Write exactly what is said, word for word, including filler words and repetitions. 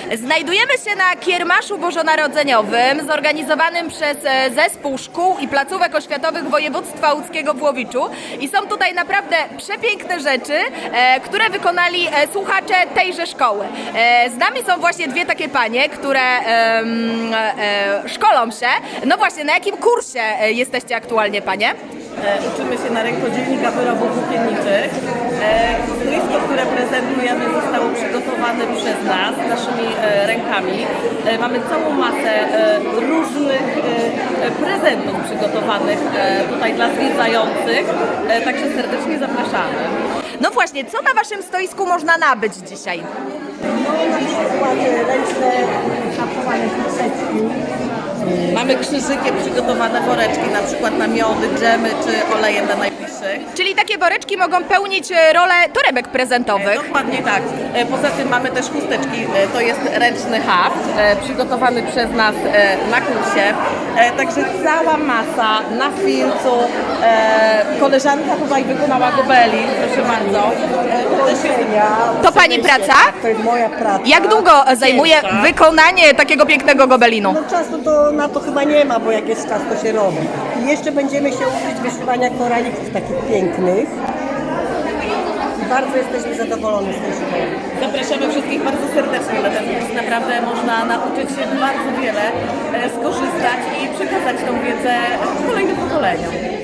Znajdujemy się na Kiermaszu Bożonarodzeniowym zorganizowanym przez e, Zespół Szkół i Placówek Oświatowych Województwa Łódzkiego w Łowiczu i są tutaj naprawdę przepiękne rzeczy, e, które wykonali e, słuchacze tejże szkoły. E, z nami są właśnie dwie takie panie, które e, e, szkolą się. No właśnie, na jakim kursie e, jesteście aktualnie, panie? E, uczymy się na rękodzielnika wyrobów włókienniczych. E, stoisko, które prezentujemy, zostało przygotowane przez nas, naszymi e, rękami. E, mamy całą masę e, różnych e, prezentów przygotowanych e, tutaj dla zwiedzających, e, także serdecznie zapraszamy. No właśnie, co na waszym stoisku można nabyć dzisiaj? No na przykład ręczne szafowanie krzyżyczki. Mamy krzyżykiem przygotowane woreczki, na przykład na miody, dżemy czy oleje dla najbliższych. Czyli takie woreczki mogą pełnić e, rolę torebek prezentowych. Dokładnie tak. E, Poza tym mamy też chusteczki, e, to jest ręczny haft, e, przygotowany przez nas e, na kursie. E, Także cała masa na filcu. E, Koleżanka tutaj wykonała gobelin, proszę bardzo. E, To też jest To pani praca? To jest moja praca. Jak długo zajmuje wykonanie takiego pięknego gobelinu? No czasu to na to chyba nie ma, bo jak jest czas, to się robi. I jeszcze będziemy się uczyć wyszywania koralików takich pięknych. I bardzo jesteśmy zadowoleni z tej szkoły. Zapraszamy wszystkich bardzo serdecznie na ten kurs. Naprawdę można nauczyć się bardzo wiele, e, skorzystać i przekazać tą wiedzę kolejnym pokoleniom.